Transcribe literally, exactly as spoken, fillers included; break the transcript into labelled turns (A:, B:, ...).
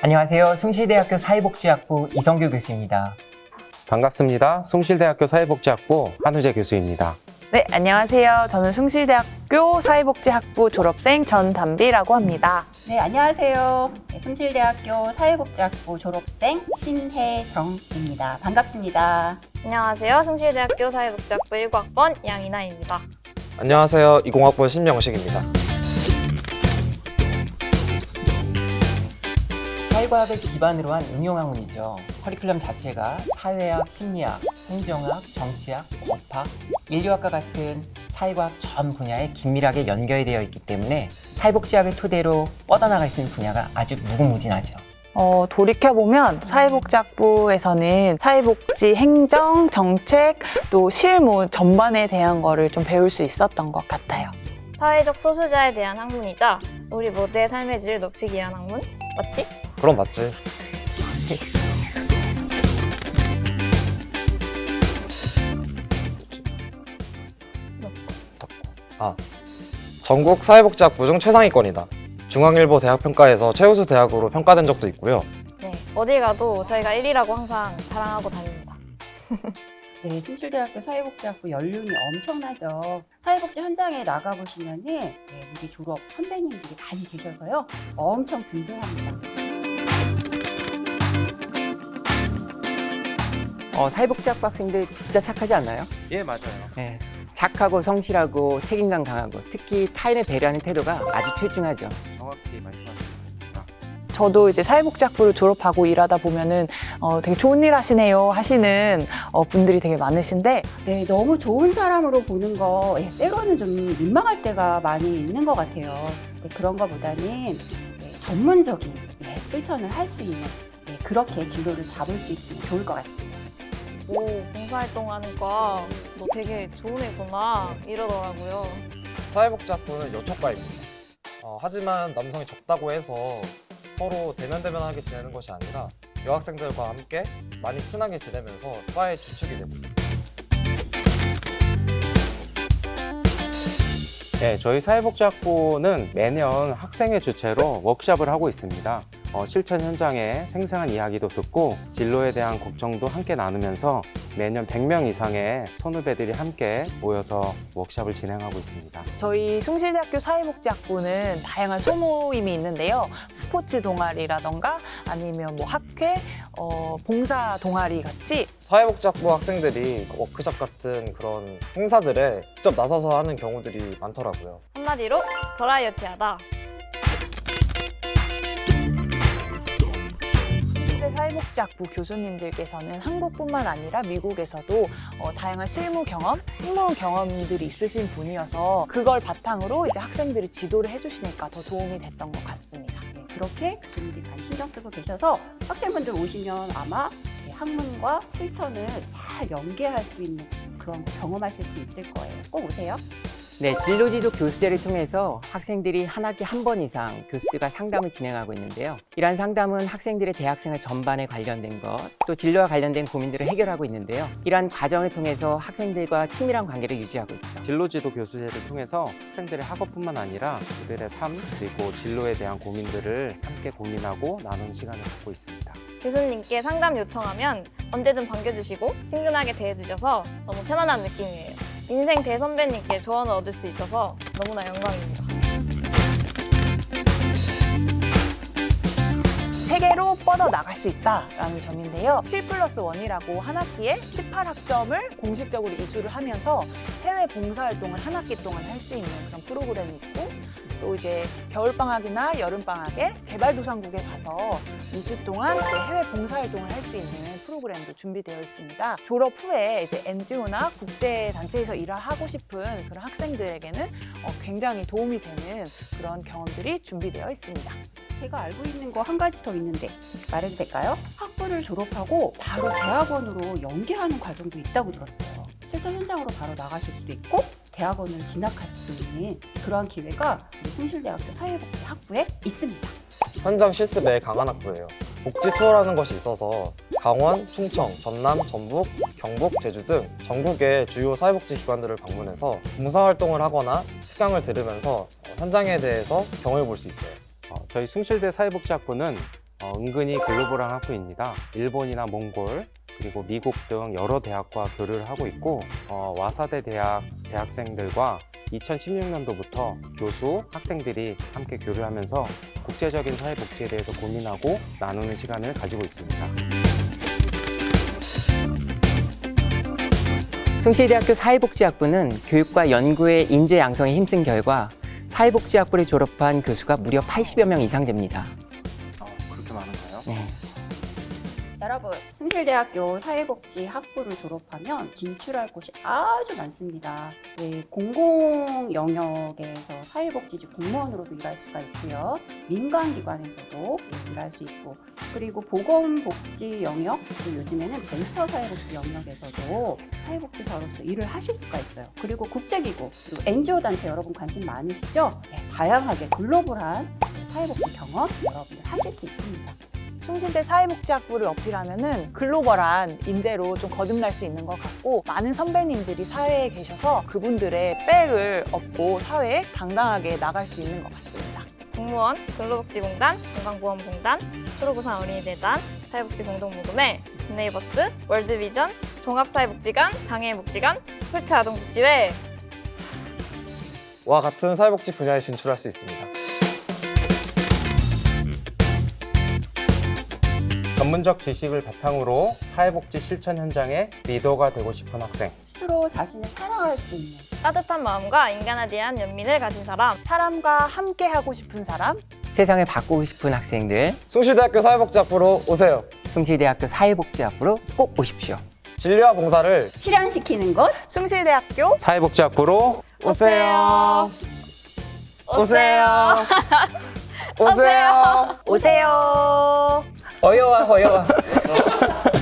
A: 안녕하세요. 숭실대학교 사회복지학부 이성규 교수입니다.
B: 반갑습니다. 숭실대학교 사회복지학부 한우재 교수입니다.
C: 네, 안녕하세요. 저는 숭실대학교 사회복지학부 졸업생 전담비라고 합니다.
D: 네, 안녕하세요. 네, 숭실대학교 사회복지학부 졸업생 신혜정입니다. 반갑습니다.
E: 안녕하세요. 숭실대학교 사회복지학부 일 학번 양이나입니다.
F: 안녕하세요. 이공학번 신명식입니다.
A: 사회과학을 기반으로 한 응용학문이죠. 커리큘럼 자체가 사회학, 심리학, 행정학, 정치학, 법학, 인류학과 같은 사회과학 전 분야에 긴밀하게 연결되어 있기 때문에 사회복지학을 토대로 뻗어나갈 수 있는 분야가 아주 무궁무진하죠.
C: 어, 돌이켜보면 사회복지학부에서는 사회복지 행정, 정책, 또 실무 전반에 대한 거를 좀 배울 수 있었던 것 같아요.
E: 사회적 소수자에 대한 학문이자 우리 모두의 삶의 질을 높이기 위한 학문? 맞지?
F: 그럼 맞지. 아, 전국 사회복지학부 중 최상위권이다. 중앙일보 대학평가에서 최우수 대학으로 평가된 적도 있고요.
E: 네, 어딜 가도 저희가 일 위라고 항상 자랑하고 다닙니다.
D: 네, 숭실대학교 사회복지학부 연륜이 엄청나죠. 사회복지 현장에 나가보시면은 네, 우리 졸업 선배님들이 많이 계셔서요. 엄청 든든합니다.
A: 어, 사회복지학부 학생들 진짜 착하지 않나요?
B: 예, 맞아요.
A: 네. 착하고 성실하고 책임감 강하고 특히 타인을 배려하는 태도가 아주 출중하죠.
B: 정확히 말씀하셨습니다.
C: 저도 이제 사회복지학부를 졸업하고 일하다 보면은 어, 되게 좋은 일 하시네요 하시는 어, 분들이 되게 많으신데
D: 네, 너무 좋은 사람으로 보는 거 예, 때로는 좀 민망할 때가 많이 있는 것 같아요. 네, 그런 것보다는 네, 전문적인 네, 실천을 할 수 있는 네, 그렇게 진로를 잡을 수 있으면 좋을 것 같습니다.
E: 오, 봉사활동 하니까 너 되게 좋은 애구나 이러더라고요.
F: 사회복지학부는 여초과입니다. 어, 하지만 남성이 적다고 해서 서로 대면대면하게 지내는 것이 아니라 여학생들과 함께 많이 친하게 지내면서 과의 주축이 되고 있습니다.
B: 네, 저희 사회복지학부는 매년 학생회 주최로 워크숍을 하고 있습니다. 어, 실천 현장의 생생한 이야기도 듣고 진로에 대한 걱정도 함께 나누면서 매년 백 명 이상의 선후배들이 함께 모여서 워크숍을 진행하고 있습니다.
C: 저희 숭실대학교 사회복지학부는 다양한 소모임이 있는데요. 스포츠 동아리라던가 아니면 뭐 학회, 어, 봉사 동아리 같이
F: 사회복지학부 학생들이 워크숍 같은 그런 행사들에 직접 나서서 하는 경우들이 많더라고요.
E: 한마디로 버라이어티하다.
C: 숭실대 사회복지학부 교수님들께서는 한국뿐만 아니라 미국에서도 어, 다양한 실무 경험, 승무 경험들이 있으신 분이어서 그걸 바탕으로 이제 학생들이 지도를 해주시니까 더 도움이 됐던 것 같습니다.
D: 네, 그렇게 교수님들이 많이 신경 쓰고 계셔서 학생분들 오시면 아마 네, 학문과 실천을 잘 연계할 수 있는 그런 거 경험하실 수 있을 거예요. 꼭 오세요.
A: 네, 진로지도 교수제를 통해서 학생들이 한 학기 한 번 이상 교수들과 상담을 진행하고 있는데요. 이러한 상담은 학생들의 대학생활 전반에 관련된 것, 또 진로와 관련된 고민들을 해결하고 있는데요. 이러한 과정을 통해서 학생들과 친밀한 관계를 유지하고 있죠.
B: 진로지도 교수제를 통해서 학생들의 학업뿐만 아니라 그들의 삶 그리고 진로에 대한 고민들을 함께 고민하고 나누는 시간을 갖고 있습니다.
E: 교수님께 상담 요청하면 언제든 반겨주시고 친근하게 대해주셔서 너무 편안한 느낌이에요. 인생 대선배님께 조언을 얻을 수 있어서 너무나 영광입니다.
C: 세계로 뻗어나갈 수 있다라는 점인데요. 칠 플러스 일이라고 한 학기에 십팔 학점을 공식적으로 이수를 하면서 해외 봉사활동을 한 학기 동안 할 수 있는 그런 프로그램이 있고 또 이제 겨울방학이나 여름방학에 개발도상국에 가서 이 주 동안 이제 해외 봉사활동을 할 수 있는 프로그램도 준비되어 있습니다. 졸업 후에 이제 엔지오나 국제단체에서 일을 하고 싶은 그런 학생들에게는 어, 굉장히 도움이 되는 그런 경험들이 준비되어 있습니다.
D: 제가 알고 있는 거 한 가지 더 있는데 말해도 될까요? 학부를 졸업하고 바로 대학원으로 연계하는 과정도 있다고 들었어요. 실전 현장으로 바로 나가실 수도 있고 대학원을 진학할 수도 있는 그러한 기회가 우리 숭실대학교 사회복지학부에 있습니다.
F: 현장 실습에 강한 학부예요. 복지 투어라는 것이 있어서 강원, 충청, 전남, 전북, 경북, 제주 등 전국의 주요 사회복지 기관들을 방문해서 봉사활동을 하거나 특강을 들으면서 현장에 대해서 경험해 볼 수 있어요.
B: 어, 저희 숭실대 사회복지학부는 어, 은근히 글로벌한 학부입니다. 일본이나 몽골, 그리고 미국 등 여러 대학과 교류를 하고 있고 어, 와사대 대학 대학생들과 이천십육 년도부터 교수, 학생들이 함께 교류하면서 국제적인 사회복지에 대해서 고민하고 나누는 시간을 가지고 있습니다.
A: 숭실대학교 사회복지학부는 교육과 연구의 인재 양성에 힘쓴 결과 사회복지학부를 졸업한 교수가 무려 팔십여 명 이상 됩니다.
B: 어, 그렇게 많은가요?
A: 네.
D: 여러분, 숭실대학교 사회복지학부를 졸업하면 진출할 곳이 아주 많습니다. 네, 공공 영역에서 사회복지직 공무원으로도 일할 수가 있고요. 민간기관에서도 일할 수 있고, 그리고 보건복지 영역, 그리고 요즘에는 벤처 사회복지 영역에서도 사회복지사로서 일을 하실 수가 있어요. 그리고 국제기구, 그리고 엔지오 단체 여러분 관심 많으시죠? 네, 다양하게 글로벌한 사회복지 경험 여러분이 하실 수 있습니다.
C: 숭실대 사회복지학부를 어필하면은 글로벌한 인재로 좀 거듭날 수 있는 것 같고, 많은 선배님들이 사회에 계셔서 그분들의 백을 얻고 사회에 당당하게 나갈 수 있는 것 같습니다.
E: 공무원, 근로복지공단, 건강보험공단, 초록우산 어린이재단, 사회복지공동모금회, 굿네이버스, 월드비전, 종합사회복지관, 장애인복지관, 홀체아동복지회.
F: 와 같은 사회복지 분야에 진출할 수 있습니다.
B: 전문적 지식을 바탕으로 사회복지 실천 현장의 리더가 되고 싶은 학생.
D: 스스로 자신을 사랑할 수 있는
E: 따뜻한 마음과 인간에 대한 연민을 가진 사람.
C: 사람과 함께 하고 싶은 사람,
A: 세상을 바꾸고 싶은 학생들,
F: 숭실대학교 사회복지학부로 오세요.
A: 숭실대학교 사회복지학부로 꼭 오십시오.
F: 진료와 봉사를
D: 실현시키는 것
C: 숭실대학교
B: 사회복지학부로
F: 오세요.
E: 오세요.
F: 오세요.
C: 오세요.
A: 어여와 어여와.